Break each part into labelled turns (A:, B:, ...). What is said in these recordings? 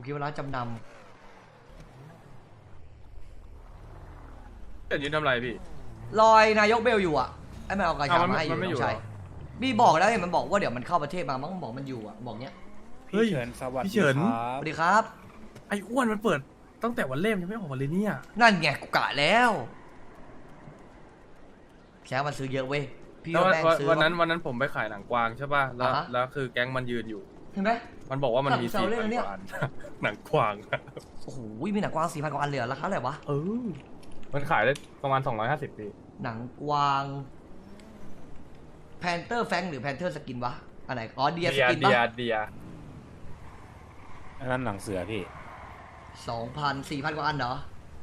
A: คิดว่าร้านจำน
B: แต่ยืนทำอะไรพี่
A: ำลอยนายกเบลอยู่อ่ะไอ้มันเอากระชา
B: อ้าวมัน
A: มาให้อยู่
B: มันไม่
A: น้
B: อยู่
A: องชาย
B: เหรอ
A: พี่บอกแล้วเห็นมันบอกว่าเดี๋ยวมันเข้าประเทศมามั้งบอกมันอยู่อ่ะบอกเนี้ย
B: เฮ้ย
C: พี่เฉินสวัส
B: พี่
C: ดี
B: เฉิน
C: ค
A: ส
C: รับ
A: วัสดีครับ
B: ไอ้อ้วนมันเปิดตั้งแต่วันเล่มยังไม่ออกมาเลยเนี่ย
A: นั่นไงกูกะแล้วแค่มันซื้อเยอะเว้ยพี่
B: แล้ว
A: ว่าแม่งซื้อ
B: วันนั้นผมไปขายหนังกวางใช่ป่ะแล้ว
A: อ่าฮะ
B: แล้วคือแก๊งมันยืนอยู่
A: เห็นไหม
B: มันบอกว่ามันมี
A: สั่ง
B: 4,000
A: เซาเล่นแล้วเนี่ย
B: กว่าอัน หนังกวางอะ
A: โอ้โหมีหนังกวาง4,000 กว่าอันเหลือราคาเท่าไหร่วะ
B: มันขายได้ประมาณ250พี่
A: หนังกวางแพนเตอร์แฟงหรือแพนเทอร์สกินวะอันไหนอ๋อเดียสกิน
B: เดี
A: ปะ
B: ย
C: อันนั้นหนังเสือพี่
A: 4,000 กว่าอันเหรอ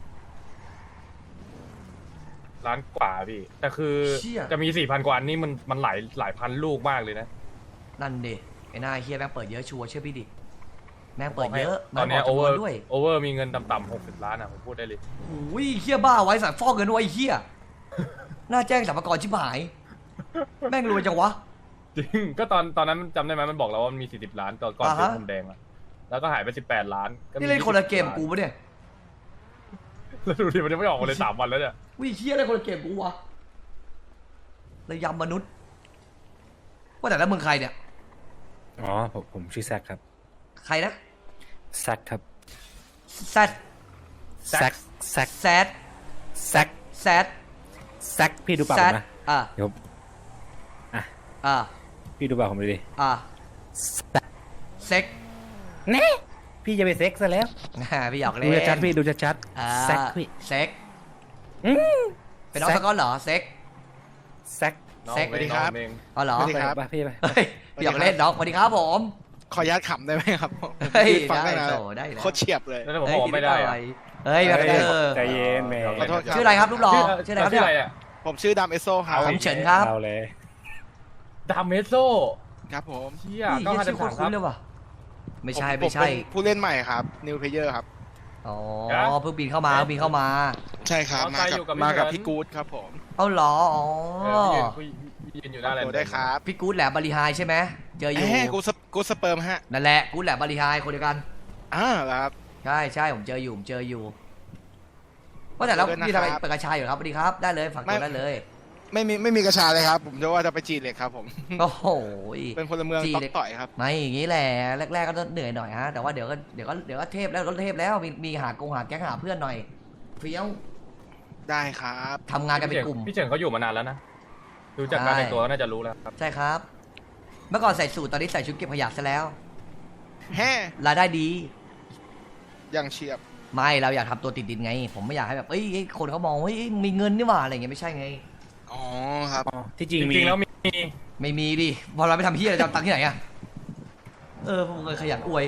B: ร้านกว่าพี่ แต่คือ
A: เชี่ย
B: จะมี 4,000 กว่าอันนี่มันหลายพันลูกมากเลยนะ
A: นั่นดิไอ้หน้าเฮียแม่งเปิดเยอะชัวร์เชื่อพี่ดิแม่งเปิดเยอะ
B: ตอนเนี้ย
A: แม่
B: โอง
A: บ
B: เว
A: ก
B: อ
A: จำน
B: ร์
A: วนด้วย
B: โอเวอร์มีเงินต่ำๆ60 ล้านอ่ะผมพูดได้เลย
A: โอ้ยเฮียบ้าไว้สายฟอกเงินไว้เฮียน่าแจ้งสรรพากรชิบหาย แม่งรวยจังวะ
B: จริง ก็ตอนนั้นจำได้ไหมมันบอกเราว่ามันมี40 ล้านก่อน
A: อ่า
B: ซื้อ
A: ฮะ
B: ผมแดงอะแล้วก็หายไป18 ล้านก็มี
A: นี่เล่นคนละเกม
B: 20
A: กูปะเนี่ย
B: แล้วดูดิมันยังไม่ออกมาเลย3 วันแล้วเนี่ย
A: วิเฮียเล่นคนละเกมกูวะระยำมนุษย์ว่าแต่แล้วมึงใครเนี่ย
C: อ๋อผมชื่อแซคครับ
A: ใครนะ
C: แซคครับ
A: แซด
C: แซคแซค
A: แซด
C: แซค
A: แซด
C: แซคพี่ดูปาก
A: แซ
C: ผ
A: ด
C: มนะ
A: อ่ะ
C: เดี๋ยว
A: อ่ะ
C: พี่ดูปากผมดูดิ
A: อ่ะเซ็ก
C: เน่พี่จะไปเซ็กซะแล้ว
A: พี่หยอกเล่
C: ดู
A: น
C: ชัดๆพี่ดูชัด
A: อ่า
C: ๆแซคพี่
A: เซ็ก
C: อืม
A: เป็นน้องสกอตเหรอเซ็ก
C: แซค
B: น้อง
A: เซ็ก
B: เองน้องเอง
A: อ๋อเหรอ
D: สวัสดีครับ
C: ไปพี่ไป
A: เฮ้ยพี่หยอกเล่นน้องสวัสดีครับผม
D: ขออนุญาตขำได้ไหมครับ
A: เฮ้ย
D: ฟัง
A: ได้
D: ได้นะ
A: โตได้แล้ว
D: โคตรเฉียบเลย
B: แล้วผมบอกว่าไม่ได้อะ
A: เฮ้ยแบบเออ
C: ใจเย็นแม่
D: ขอโทษครับ
A: ชื่ออะไรครับลูกหล่อชื่ออะไรครับ
B: ชื่อ
A: เนี่ย
B: อะไรอะ
D: ผมชื่อดำเอสโซครับ
A: ผมเฉินครับ
C: เอาเลย
B: ดามเมโซ
D: ครับผม
B: เชี่ย
A: นี่
B: ก็
A: เฮีย
B: ห้า
A: ชื่อ
B: สาม
A: คุ้
B: ครั
A: น
B: บ
A: ๆเลยว่ะไม่ใช่
D: ผม
A: ไม่ใช่
D: เป็นผู้เล่นใหม่ครับ นิวเพเยอร์ครับ
A: อ๋อ
B: ครับ
A: เพิ่งบินเข้ามาเพิ่งบินเข้ามา
D: ใช่ครับ
B: อ๋อ
D: มา
B: ใคร
D: กั
B: อยู่กับ
D: มากับ
B: พี่
D: พี่
B: เฉิน
D: กู๊ดครับผม
A: เอาเหรออ๋อ
B: พี่ยืนอยู่หน้าแลน
D: โด
B: ด์
D: ได้ครับ
A: พี่กู๊ดแหลมบริหายใช่ไหมเจออยู่
D: กูสเปิร์มฮะ
A: นั่นแหละกู๊ดแหลมบริหายคนเดียวกัน
D: เหรอครับ
A: ใช่ใช่ผมเจออยู่ว่าแต่แล้ว
D: เจอด้วย
A: พี่ทำไม
D: นะครับ
A: เปิดกระชายอยู่ครับสวัสดีครับได้เลยฝากตัวได้เลย
D: ไม่มีกระชาเลยครับ ผมจะว่าจะไปจีนเหล็กครับผม
A: โอ้โห
D: เป็นพลเมือง
A: จีน
D: ต๊อก
A: เหล็ก
D: ต่อยครับ
A: ไม่อย่างนี้แหละแรกๆก็ต้องเหนื่อยหน่อยฮะแต่ว่าเดี๋ยวก็เทพแล้วก็เทพแล้วมีหาแก๊งหาเพื่อนหน่อยเฟี้ยว
D: ได้ครับ
A: ทำงานกันเป็นกลุ่ม
B: พี่เฉินเขาอยู่มานานแล้วนะดูจากการแต่งตัวก็น่าจะรู้แล้วครับ
A: ใช่ครับ เมื่อก่อนใส่สูทตอนนี้ใส่ชุดเก็บขยะซะแล้ว
D: แฮ่
A: รายได้ดี
D: ยังเฉียบ
A: ไม่เราอยากทำตัวติดดินไง ผมไม่อยากให้แบบเอ้ยคนเขามองว่าเฮ้ยมีเงินนี่หว่าอะไรอย่างเงี้ยไม่ใช่ไง
D: อ๋อครับ
C: อ๋อที่จ
B: จ
C: ริงมี
B: ริงๆแล้วมี
A: ไม่มีดิพอเราไปทำเฮียอะไรจะเอาตังค์ที่ไหนอะผมเคยขยันอวย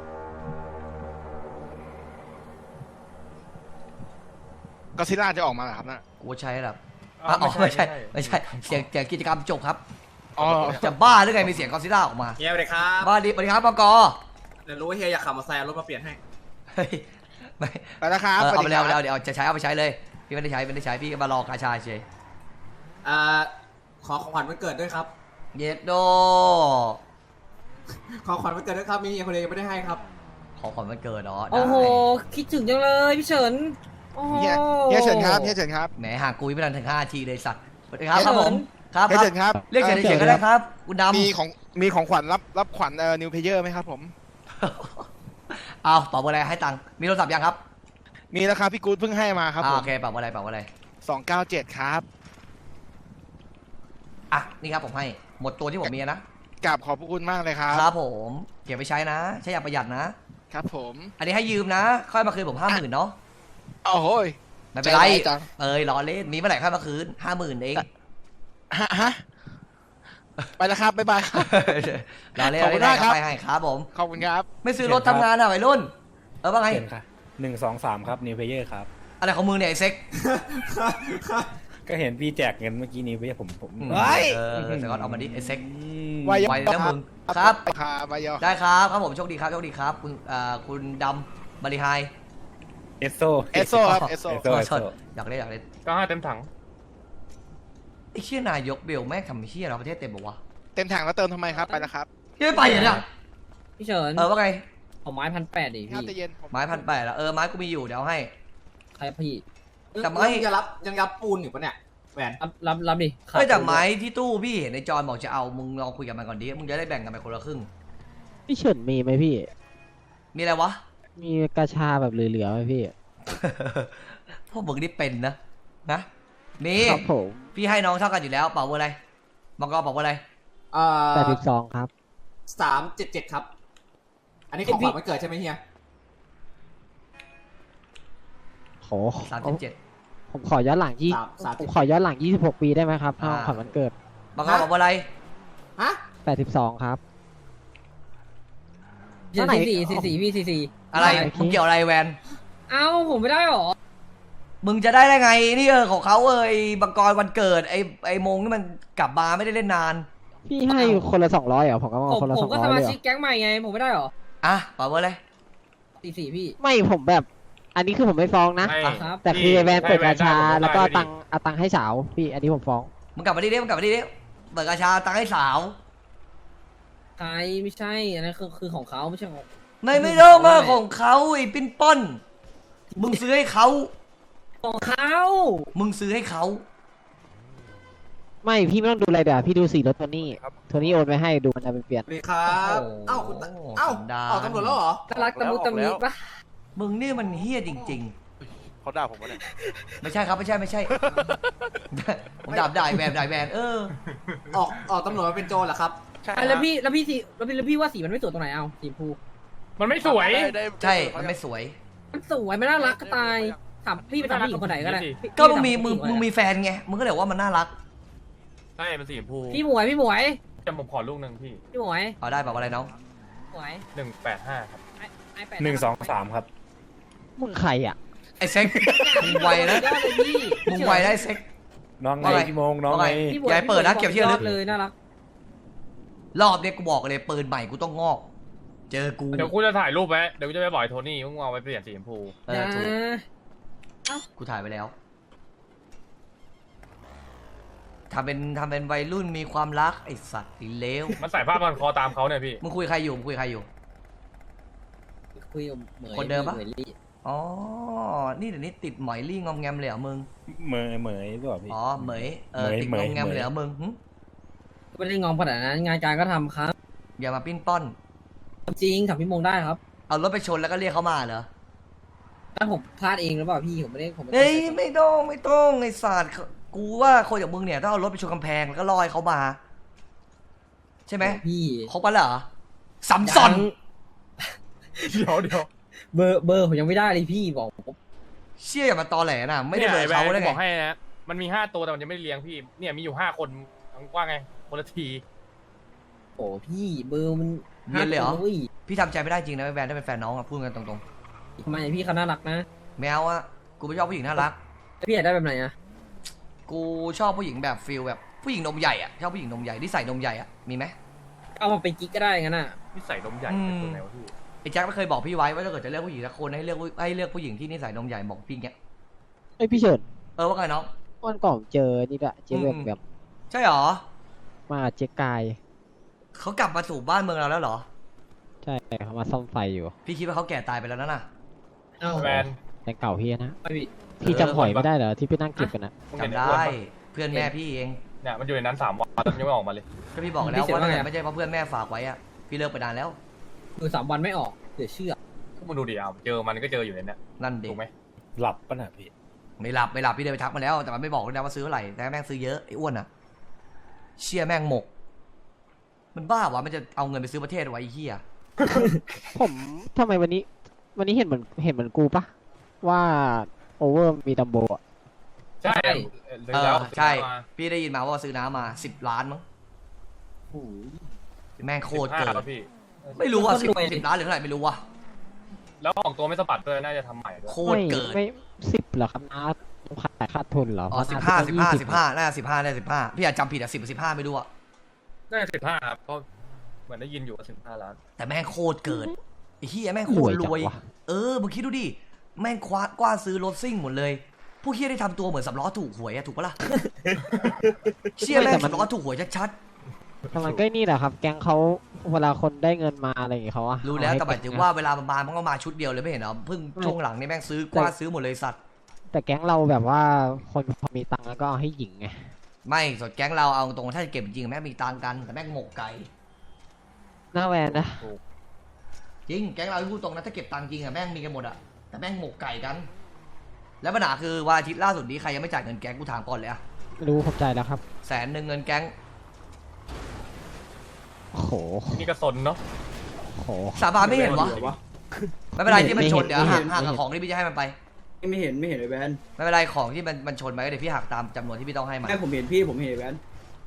D: ก็ซิล่าจะออกมาเหรอครับน่ะ
A: กูใช้แบบอ๋อไม่ใช่เสียงกิจกรรมจบครับ
D: อ๋อ
A: จะบ้าหรือไงมีเสียงกอซิล่าออกมา
E: เฮียสวัสดีครับ
A: บ้าดิสวัสดีครับปก
E: เดี๋ยวรู้ว่าเฮียอยากขับมาแซงรถมาเปลี่ยนให้
A: เฮ้ยไม่
D: ไปแล้วครับ
A: เอาไป
D: ส
A: แล้ว
D: สดีครับ
A: เดี๋ยวจะใช้เอาไปใช้เลยพี่ไม่ได้ใช้พี่ก็มารอกาชาเฉย
E: ขอของขวัญวันเกิดด้วยครับ
A: เย็ดโด
E: ขอของขวัญวันเกิดด้วยครับ มีเฮียคนเดียวยังไม่ได้ให้ครับ
A: ของขวัญวันเกิดเนาะ
F: โอ้โห คิดถึงจังเลยพี่เฉิน โอ้โห
D: เฮียเฉินครับเฮียเฉินครับ
A: แหมห่างกูไม่ทันถึง5 ทีเลยสัตว์สวัสดีครับ
F: เฉิน
A: ผมครับ
D: เฮียเฉินครับ
A: เรียกเฉยๆก็ได้ครับคุณดำ
D: มีของขวัญรับขวัญนิวเพเยอร์ไหมครับผม
A: เอาเป่าอะไรให้ตังค์มีโทรศัพท์ยังครับ
D: มีแล้วครับพี่กู๊ดเพิ่งให้มาครับผม
A: โอเคเป่าอะไร
D: 297ครับ
A: อ่ะนี่ครับผมให้หมดตัวที่ผมมีนะ
D: กราบขอบพระคุณมากเลยครับ
A: ครับผมเก็บไปใช้นะใช้อย่างประหยัดนะ
D: ครับผม
A: อันนี้ให้ยืมนะ ค่อยมาคืนผม50,000เนาะ
D: โอ้โหย
A: ไม่เป็นไร
D: ใจร้ายจัง
A: ล้อเล่นมีเมื่อไหร่ค่อยมาคืน50,000เอง
D: ฮะไปแล้วครับบ๊ายบายครับ
A: ล้อเล่น
D: ขอบคุณมากครับ
A: ไปให้ครับผม
D: ขอบคุณครับ
A: ไม่ซื้อรถทำงานอ่ะวัยรุ่นว่าไง
C: เขียนค่ะ1 2 3ครับนิวเพเยอร์ครับ
A: อะไรของมึงเนี่ยไอ้เซ็ก
C: ก็เห็นพี่แจกเงินเมื่อกี้นี้ผม
D: เฮ้ย
A: เดี๋ยวก่อนเอามาดิไอ้เซ็ก
D: วาย
A: ไวแล้วมึงครับ
D: ครับวายอ
A: ได้ครับผมโชคดีครับคุณดำบริหาย
C: เอสโซ
D: เอสโซครับเอสโซ
A: โทษอยากเล่น
B: ก็5 เต็มถัง
A: ไอ้เชี่ยนายกเบลแม่งทำเชี่ยเราประเทศเต็มบอกว่า
D: เต็มถังแล้วเติมทำไมครับไปแล้วครับ
A: ยังไม่ไปเหรอเนี่ย
F: พี่เฉิน
A: ว่าไง
F: ของไม้1,800ดิ
D: ข้าว
F: พี่
D: แต่เย็นผม
A: ไม้1,800แล้วไม้กูมีอยู่เดี๋ยวเอาให้
F: ใครพี่
A: แต่ไม่
E: ยังรับปูนอยู่ปะเนี่ยแหวน
F: รับดิ
A: เฮ้ยแต่ไม้ที่ตู้พี่เห็นในจอนบอกจะเอามึงลองคุยกับมันก่อนดิมึงจะได้แบ่งกันไปคนละครึ่ง
G: พี่เฉินมีไหมพี่
A: มีอะไรวะ
G: มีกระชาแบบเหลือๆไหมพี่
A: พวกมึงนี่เป็นนะมี
G: ครับผม
A: พี่ให้น้องเท่ากันอยู่แล้วเป่าเบอร์อะไรมังกรเป่าเบอร์อะไร
G: 82ครับ
E: 377ครับ อันนี้ของขวัญวันเกิดใช่ไหมเฮีย
G: โห
A: 37
G: ผมขอย้อนหลังผมขอย้อนหลัง26 ปีได้ไหมครับถ้าของขวัญวันเกิด
A: มังกรเป่าเบอร์อะไร
E: ฮะ
G: 82ครับ
F: 44พี่44
A: อะไร
G: โอเค
A: มึงเกี่ยวอะไรแวน
F: เอ้าผมไม่ได้หรอ
A: มึงจะได้ไงนี่ของเขาบังกรวันเกิดไอ้มงนี่มันกลับมาไม่ได้เล่นนาน
G: พี่ให้คนละ200เหรอผมก็มาคนละ
F: ผมก็
G: 200
F: สมา
G: เลยเหร
F: ชิ
G: อก
F: แก๊งใหม่ไงผมไม่ได้หรอ
A: อ่ะเป่าเบอร์อะไร
F: 44พี่
G: ไม่ผมแบบ อันนี้คือผมไม่ฟ้องนะ
B: ให้
F: ครับ
G: แต่คือไอ้แวนเปิดกระชา
B: ให้แวนได้
G: แล้วก็
B: ผมได้
G: เอาตังค์ให้สาวพี่อันนี้ผมฟ้อง
A: มึงกลับมาดิมึงกลับมาดิเปิดกระชาตังค์ให้สาว
F: ใครไม่ใช่อันนั้นคือของเขาไม่ใช่ของ
A: ไม่ต้องมาของเขาไอ้ปิ้นป้อนมึงซื้อให้เขา
F: ของเขา
A: มึงซื้อให้เขา
G: ไม่พี่ไม่ต้องดูอะไรเดี๋ยวพี่ดูสีรถโทนี่โทนี่โอนไปให้ดูมันจะไปเปลี่ยน
E: เลยครับเอ้าคุณเอ้าออกตำรวจแล้วเหรอ
F: น่ารักตะมุตะมิปะ
A: มึงนี่มันเฮี้ยจริง
H: เขาด่าผมวะเนี่ย
A: ๆ ไม่ใช่ครับไม่ใช่ ผมด่าแวน
E: ออกตำรวจมาเป็นโจรเหรอครับ
H: ใช่
F: แล้วพี่ว่าสีมันไม่สวยตรงไหนเอาสีชมพู
B: มันไม่สวย
A: ใช่มันไม่สวย
F: มันสวยมันน่ารักก็ตายถามพี่ไปถามผู้หญิงคนไหนก็ได้
A: ก็มึงมีแฟนไงมึงก็เลยว่ามันน่ารัก
B: ใช่มันสีชมพู
F: พี่หมวย
B: จะผมขอลูกหนึ่งพี่
F: พี่หมวย
A: เอาได้เปล่าอะไรน้อง
F: หมวย
B: 185ครับ
F: iPad
C: 123 ครับ
G: มึงใครอ่ะ
A: ไอ้เซ็กมึงไวนะ
F: ยอดเลยพี่
A: มึงไวได้เซ็ก
C: น้องไง
A: ว่าไง
C: พี่โมงน้องไง
F: พี่หมวย
A: อย่าให้เปิดนะเก็บที่ระลึก
F: ยอเลยน่ารัก
A: รอบเนี้ยกูบอกเลยปืนใหม่กูต้องงอก เจอกู
B: เดี๋ยวกูจะถ่ายรูปไว้เดี๋ยวกูจะไปบอกไอ้โทนี่มึงเอาไปเปลี่ยนสีชมพู
F: อย่า
A: ถูกกูถ่ายไปแล้วทำเป็นวัยรุ่นมีความรักไอสัตว์อีเลว
B: มันใส่ผ้าพันคอตามเขาเนี่ยพี่
A: มึงคุยใครอยู่คุยกับเหมย
F: คนเดิมปะ
A: อ๋อนี่เดี๋ยวนี้ติดหมอยลี่งอมแงมเลยเหรอมึง
C: เหมยหรือเปล่าพี่
A: อ๋อเหมยติด
C: เหม
A: งอย มแงมเลยเหรอมึงหึ
F: ไม่ได้งอมขนาดนั้นงานการก็ทำครับ
A: อย่ามาปิ้นป้อน
F: จริงถามพี่มงได้ครับ
A: เอารถไปชนแล้วก็เรียกเขามาเหรอ
F: ถ้าผมพลาดเองหรือเปล่าพี่ผมไม่ได้
A: เฮ้ยไม่ต้องไอสัตว์กูว่าคนอย่างมึงเนี่ยถ้าเอารถไปชนกำแพงแล้วก็ลอยเขามา ใช่ไหม
F: พี่
A: ครบปะเหรอสัมซอน
B: เดี๋ยว
F: เบอร์ผมยังไม่ได้เลยพี่บอกผม
A: เชี่ยอย่ามาตอแหลนะไม่ได้เบอร์เขาได้
B: บ
A: ไง
B: อกให้นะมันมี5ตัวแต่มันยังไม่ได้เลี้ยงพี่เนี่ยมีอยู่5คนว่าไงคนละที
F: โอ้พี่เบอร์มัน
A: เรียนเลยเหรอ
F: อุ้ย
A: พี่ทำใจไม่ได้จริงนะแวนถ้าเป็นแฟนน้องอะพูดกันตรง
F: ทำไมพี่เขาน่ารักนะ
A: ๆแมวอะกูไม่ชอบผู้หญิงน่ารัก
F: แล้วพี่อยากได้แบบไหนอะ
A: กูชอบผู้หญิงแบบฟิลแบบผู้หญิงนมใหญ่อะชอบผู้หญิงนมใหญ่ที่ใส่นมใหญ่อะมีไหม
F: เอามาเป็นกิ๊กก็ได้งั้นน่ะ
B: นี่ใส่นมใหญ่
A: อืม
B: เป็นตัวไหนวะพี่
A: ไอ้แจ็คไม่เคยบอกพี่ไว้ว่าถ้าเกิดจะเลือกผู้หญิงสักคนให้เลือกผู้หญิงที่นิสัยนมใหญ่บอกพี่เงี้ย
G: ไอยพี่เฉิน
A: ว่าไงน้อง
G: วันก่อนเจอนี่ด้วยเจอแบบ
A: ใช่หรอ
G: มาเจ๊กาย
A: เขากลับมาสู่บ้านเมืองเราแล้วเหรอ
G: ใช่เขามาซ่อมไฟอยู่
A: พี่คิดว่าเขาแก่ตายไปแล้วนะน่ะ
F: เอ้า
B: แวน
G: แต่เก่าพี่นะ
F: ไม่พี่
G: พี่จำหอยไม่ได้เหรอที่พี่นั่งเก็บกันนะ
A: จำได้เพื่อนแม่พี่เอง
B: เนี่ยมันอยู่ในนั้น3 วันแล้วมันยังไม่ออกมาเลย
A: ก็พี่บอกแล้วว่าถ้าเกิดไม่ใช่เพราะเพื่อนแม่ฝากไว้อะพี่เลิกไปนานแล้ว
F: อยู่3 วันไม่ออกเดี๋ยวเชื่อ
B: ก็มาดูดิเอาเจอมันก็เจออยู่ในเนี้ย
A: นั่นเด็
B: ถูกไหม
C: หลับปะน่ะพี่
A: ไม่หลับพี่เดินไปทักมาแล้วแต่มันไม่บอกเลยนะว่าซื้อเท่าไหร่แต่แม่งซื้อเยอะไอ้อ้วนอะเชี่ยแม่งหมก มันบ้าวะมันจะเอาเงินไปซื้อประเทศไว้ไอ้เหี้ย
G: ผมทำไมวันนี้เห็นเหมือนกูปะว่าโอเวอร์มีดัมโบอ่ะ
B: ใช่
A: ใช่ พี่ได้ยินมาว่าซื้อน้ำมา10 ล้านมั้ง
F: โอ้ย
A: แม่งโคตรเกิน
B: แล้วพี่
A: ไม่รู้ว่า
F: โคตรรวย
A: 10 ล้านหรือเท่าไหร่ไม่รู้ว่ะ
B: แล้วของตัวไม่สะบัดด้วยน่าจะทำใหม่ด้วย
A: โคตรเกิน
G: ไม่10เหรอครับนะขาดทุนเหรอ
A: อ๋อ
G: เพระ
A: 15
G: น่าจะ
A: น่าจะ15พี่อาจจำผิดอะ10 15ไม่รู้อะ
B: น่าจะ15ครับเพราะเหมือนได้ยินอยู่ว่า15 ล้าน
A: แต่แม่งโคตรเกินไอ้เหี้ยแม่งโคตรรวย
G: จังวะ
A: มึงคิดดูดิแม่งกว้านซื้อรถซิ่งหมดเลยผู้เหี้ยได้ทำตัวเหมือน3 ล้อถูกหวยอะถูกปะล่ะ เชี่ยแม่ง3 ล้อถูกหวยชัด
G: แต่มันก็นี่แหละครับ แก๊งเขาเวลาคนได้เงินมาอะไรอย่างเงี้ยเขาอะ
A: รู้แล้ว
G: เอ
A: แต่หมาย
G: ให้
A: ถึง
G: เก็บ
A: ว่าเวลามันมามันก็มาชุดเดียวเลยไม่เห็นเหรอเพิ่งช่วงหลังนี่แม่งซื้อกว้านซื้อหมดเลยสัตว์
G: แต่แก๊งเราแบบว่าคนพอมีตังค์แล้วก็เอาให้หญิงไง
A: ไม่สดแก๊งเราเอาตรงถ้าจะเก็บจริงๆแม่งมีตังค์กันแต่แม่งหมกไก่
G: หน้าแวนนะ
A: จริงแก๊งเราพูดตรงนะถ้าเก็บตังค์จริงอะแม่งมีกันหมดอะแต่แม่งหมกไก่กัน แล้วปัญหาคือวันอาทิตย์ล่าสุดนี้ใครยังไม่จ่ายเงินแก๊งกูถามก่อนเลยอะ
G: รู้ผมใจแล้วครับ
A: 100,000เงินแก๊ง
G: โอ้โห
B: นี่ก็สนเนาะ
G: โอ้โห
A: สาบานไม่เห็นวะไม่เป็นไรที่มันชนเดี๋ยว
G: ไม่เห็
A: หั
G: น
A: ก
G: ไม่เห็น
A: กับของที่พี่จะให้มันไป
I: ไม่เห็นเลยแบน
A: ไม่เป็นไรของที่มันชนไปก็เดี๋ยวพี่หักตามจำนวนที่พี่ต้องให้มัน
I: แม่ผมเห็นพี่ผมเห็นแบน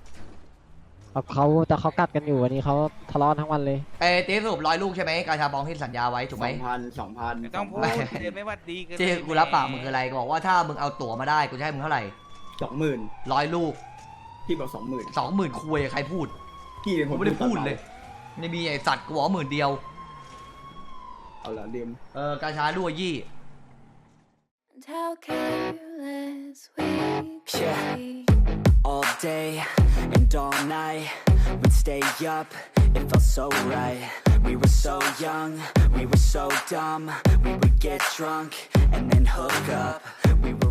G: แต่เขากัดกันอยู่วันนี้เขาทะเลาะทั้งวันเลย
A: เอ้ตีสรุป100 ลูกใช่ไหมกาชาบองที่สัญญาไว้ถูกไหม
I: 2,000
H: ไม่ต้องพูดเดินไม่วัดดีเกิน
A: ที่กูรับปากมึงคืออะไรก็บอกว่าถ้ามึงเอาตั๋วมาได้กูจะให้มึงเท่าไหร่
I: 20,000
A: 100 ลูก
I: พี่บอก
A: 20,000คุยใครพูด
I: 20,000พี่เป็นค
A: กู
I: น
A: ไม่ได้พูดเลยไม่มีไอสัตว์กูบอก10,000เดียว
I: เอาละเดียม
A: กาชาด้วยยี่
J: And how careless we could
K: Yeah.
J: be.
K: All day and all night, we'd stay up, it felt so right. We were so young, we were so dumb. We would get drunk and then hook up. We were